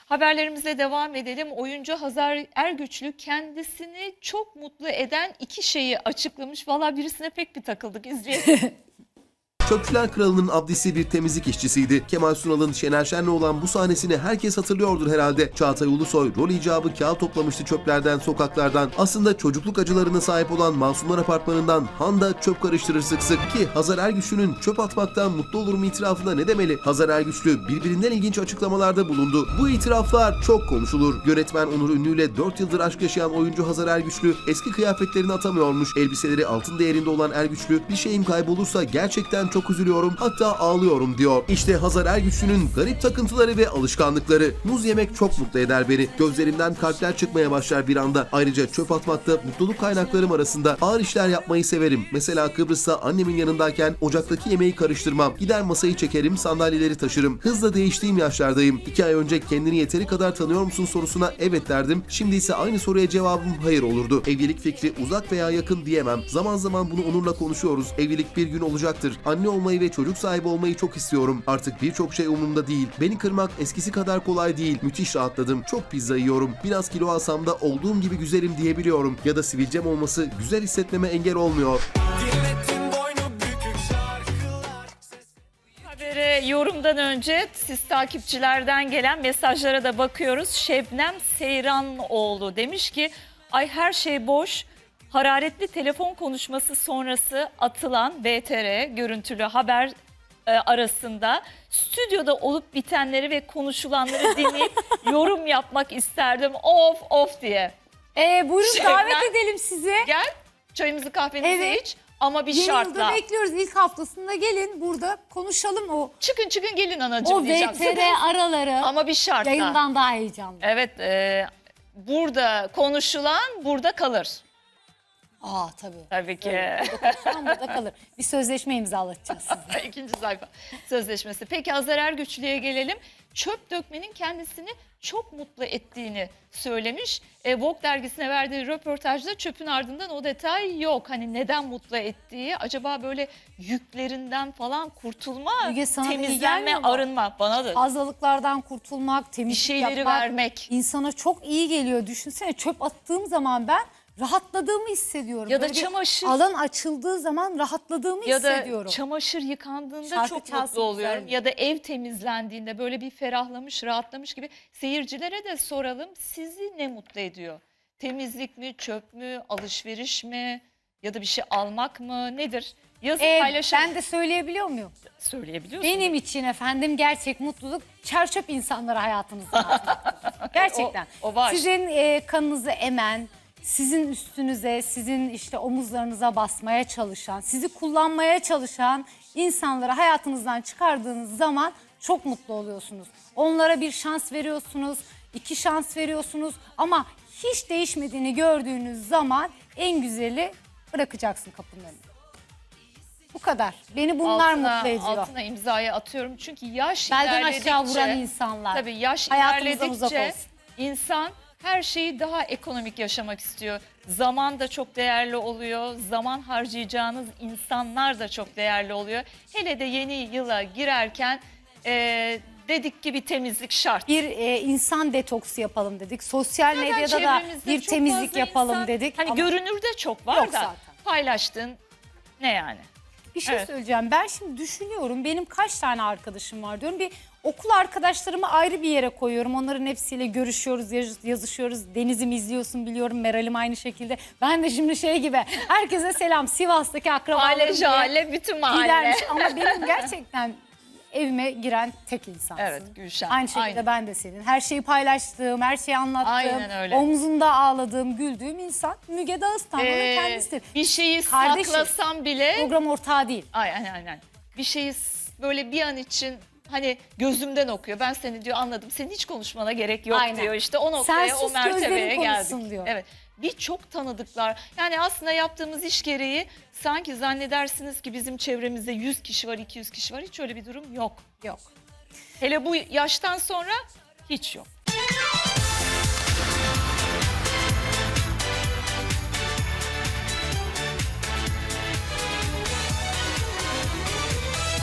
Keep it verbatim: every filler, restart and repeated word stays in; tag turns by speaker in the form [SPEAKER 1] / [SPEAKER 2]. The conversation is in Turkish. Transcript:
[SPEAKER 1] Haberlerimize devam edelim. Oyuncu Hazar Ergüçlü kendisini çok mutlu eden iki şeyi açıklamış. Valla birisine pek bir takıldık, izleyelim.
[SPEAKER 2] Çöpçüler Kralı'nın abdisi bir temizlik işçisiydi. Kemal Sunal'ın Şener Şen'le olan bu sahnesini herkes hatırlıyordur herhalde. Çağatay Ulusoy rol icabı kağıt toplamıştı çöplerden, sokaklardan. Aslında çocukluk acılarına sahip olan Masumlar Apartmanı'ndan Handa çöp karıştırır sık sık. Ki Hazar Ergüçlü'nün çöp atmaktan mutlu olurum itirafında ne demeli? Hazar Ergüçlü birbirinden ilginç açıklamalarda bulundu. Bu itiraflar çok konuşulur. Yönetmen Onur Ünlü ile dört yıldır aşk yaşayan oyuncu Hazar Ergüçlü eski kıyafetlerini atamıyormuş. Elbiseleri altın değerinde olan Ergüçlü, bir şeyim kaybolursa gerçekten çok Çok üzülüyorum, hatta ağlıyorum diyor. İşte Hazar Ergüçlü'nün garip takıntıları ve alışkanlıkları. Muz yemek çok mutlu eder beni. Gözlerimden kalpler çıkmaya başlar bir anda. Ayrıca çöp atmakta mutluluk kaynaklarım arasında. Ağır işler yapmayı severim. Mesela Kıbrıs'ta annemin yanındayken ocaktaki yemeği karıştırmam. Gider masayı çekerim, sandalyeleri taşırım. Hızla değiştiğim yaşlardayım. İki ay önce kendini yeteri kadar tanıyor musun sorusuna evet derdim. Şimdi ise aynı soruya cevabım hayır olurdu. Evlilik fikri uzak veya yakın diyemem. Zaman zaman bunu Onur'la konuşuyoruz. Evlilik bir gün olacaktır. Anne olmayı ve çocuk sahibi olmayı çok istiyorum. Artık birçok şey umurumda değil. Beni kırmak eskisi kadar kolay değil. Müthiş rahatladım. Çok pizza yiyorum. Biraz kilo alsam da olduğum gibi güzelim diyebiliyorum. Ya da sivilcem olması güzel hissetmeme engel olmuyor.
[SPEAKER 1] Habere yorumdan önce siz takipçilerden gelen mesajlara da bakıyoruz. Şebnem Seyranoğlu demiş ki ay her şey boş. Hararetli telefon konuşması sonrası atılan V T R görüntülü haber e, arasında stüdyoda olup bitenleri ve konuşulanları dinleyip yorum yapmak isterdim. Of of diye.
[SPEAKER 3] Ee, buyurun
[SPEAKER 1] Şebnem,
[SPEAKER 3] davet edelim sizi.
[SPEAKER 1] Gel çayımızı kahvemizi
[SPEAKER 3] Evet.
[SPEAKER 1] iç ama bir
[SPEAKER 3] Yeni
[SPEAKER 1] şartla.
[SPEAKER 3] yılda bekliyoruz. İlk haftasında gelin burada konuşalım o.
[SPEAKER 1] Çıkın çıkın gelin anacığım
[SPEAKER 3] O
[SPEAKER 1] diyeceğim.
[SPEAKER 3] V T R araları
[SPEAKER 1] Ama bir şartla.
[SPEAKER 3] yayından daha heyecanlı.
[SPEAKER 1] Evet, e, burada konuşulan burada kalır.
[SPEAKER 3] Aa tabii.
[SPEAKER 1] Tabii ki.
[SPEAKER 3] Evet, burada konuşulan burada kalır. Bir sözleşme imzalatacağız size.
[SPEAKER 1] İkinci sayfa sözleşmesi. Peki Hazar Ergüçlü'ye gelelim. Çöp dökmenin kendisini çok mutlu ettiğini söylemiş. E, Vogue dergisine verdiği röportajda çöpün ardından o detay yok. Hani neden mutlu ettiği, acaba böyle yüklerinden falan kurtulma,
[SPEAKER 3] Müge, sana iyi
[SPEAKER 1] temizlenme,
[SPEAKER 3] gelmiyor mu?
[SPEAKER 1] arınma. Bana da
[SPEAKER 3] Fazlalıklardan kurtulmak,
[SPEAKER 1] bir
[SPEAKER 3] temizlik
[SPEAKER 1] şeyleri
[SPEAKER 3] yapmak
[SPEAKER 1] vermek.
[SPEAKER 3] insana çok iyi geliyor. Düşünsene çöp attığım zaman ben rahatladığımı hissediyorum.
[SPEAKER 1] Ya da
[SPEAKER 3] Böyle bir
[SPEAKER 1] çamaşır.
[SPEAKER 3] alan açıldığı zaman rahatladığımı
[SPEAKER 1] Ya da
[SPEAKER 3] hissediyorum.
[SPEAKER 1] çamaşır yıkandığında
[SPEAKER 3] Şarkı
[SPEAKER 1] çok
[SPEAKER 3] çalsın
[SPEAKER 1] mutlu oluyorum.
[SPEAKER 3] güzel.
[SPEAKER 1] Ya da ev temizlendiğinde böyle bir ferahlamış, rahatlamış gibi. Seyircilere de soralım, sizi ne mutlu ediyor? Temizlik mi, çöp mü, alışveriş mi ya da bir şey almak mı, nedir? Yazın
[SPEAKER 3] Ee,
[SPEAKER 1] paylaşalım.
[SPEAKER 3] ben de söyleyebiliyor muyum?
[SPEAKER 1] Söyleyebiliyorsun.
[SPEAKER 3] Benim için efendim gerçek mutluluk çerçöp insanları hayatınızda atmaktır. Gerçekten.
[SPEAKER 1] O- o var.
[SPEAKER 3] Sizin e, kanınızı emen, sizin üstünüze, sizin işte omuzlarınıza basmaya çalışan, sizi kullanmaya çalışan insanları hayatınızdan çıkardığınız zaman çok mutlu oluyorsunuz. Onlara bir şans veriyorsunuz, iki şans veriyorsunuz ama hiç değişmediğini gördüğünüz zaman en güzeli bırakacaksın kapının önüne. Bu kadar. Beni bunlar
[SPEAKER 1] altına,
[SPEAKER 3] mutlu ediyor.
[SPEAKER 1] altına imzayı atıyorum çünkü yaş
[SPEAKER 3] Belden
[SPEAKER 1] ilerledikçe.
[SPEAKER 3] aşağı vuran insanlar.
[SPEAKER 1] Tabii yaş
[SPEAKER 3] Hayatımızdan uzak
[SPEAKER 1] ilerledikçe
[SPEAKER 3] olsun.
[SPEAKER 1] insan her şeyi daha ekonomik yaşamak istiyor. Zaman da çok değerli oluyor. Zaman harcayacağınız insanlar da çok değerli oluyor. Hele de yeni yıla girerken e, dedik ki bir temizlik şart.
[SPEAKER 3] Bir e, insan detoksu yapalım dedik. Sosyal
[SPEAKER 1] Zaten
[SPEAKER 3] medyada da
[SPEAKER 1] çevremizde
[SPEAKER 3] bir
[SPEAKER 1] çok
[SPEAKER 3] temizlik
[SPEAKER 1] fazla
[SPEAKER 3] yapalım
[SPEAKER 1] insan-
[SPEAKER 3] dedik.
[SPEAKER 1] Hani
[SPEAKER 3] ama
[SPEAKER 1] görünürde çok var
[SPEAKER 3] Yok
[SPEAKER 1] da
[SPEAKER 3] zaten.
[SPEAKER 1] paylaştığın ne yani?
[SPEAKER 3] bir şey
[SPEAKER 1] Evet.
[SPEAKER 3] söyleyeceğim. Ben şimdi düşünüyorum. Benim kaç tane arkadaşım var diyorum. Bir okul arkadaşlarımı ayrı bir yere koyuyorum. Onların hepsiyle görüşüyoruz, yaz- yazışıyoruz. Deniz'im izliyorsun biliyorum. Meral'im aynı şekilde. Ben de şimdi şey gibi herkese selam. Sivas'taki akrabalarım
[SPEAKER 1] Mahalle
[SPEAKER 3] diye
[SPEAKER 1] jale bütün mahalle.
[SPEAKER 3] gidermiş. Ama benim gerçekten evime giren tek insansın.
[SPEAKER 1] Evet, Gülşen.
[SPEAKER 3] Aynı şekilde
[SPEAKER 1] Aynen.
[SPEAKER 3] ben de senin. Her şeyi paylaştığım, her şeyi anlattığım,
[SPEAKER 1] Aynen öyle.
[SPEAKER 3] omzunda ağladığım, güldüğüm insan Müge Dağıstanlı'nın
[SPEAKER 1] Ee,
[SPEAKER 3] kendisidir.
[SPEAKER 1] bir şeyi
[SPEAKER 3] Kardeşim.
[SPEAKER 1] saklasam bile
[SPEAKER 3] Program ortağı değil.
[SPEAKER 1] aynen aynen. Bir şeyi s- böyle bir an için hani gözümden okuyor. Ben seni diyor anladım. Senin hiç konuşmana gerek yok
[SPEAKER 3] Aynen.
[SPEAKER 1] diyor. İşte o noktaya,
[SPEAKER 3] Sen
[SPEAKER 1] o
[SPEAKER 3] sus,
[SPEAKER 1] mertebeye
[SPEAKER 3] gözlerin konuşsun
[SPEAKER 1] geldik.
[SPEAKER 3] diyor.
[SPEAKER 1] Evet. Birçok tanıdıklar. Yani aslında yaptığımız iş gereği sanki zannedersiniz ki bizim çevremizde yüz kişi var, iki yüz kişi var. Hiç öyle bir durum yok.
[SPEAKER 3] Yok.
[SPEAKER 1] Hele bu yaştan sonra hiç yok.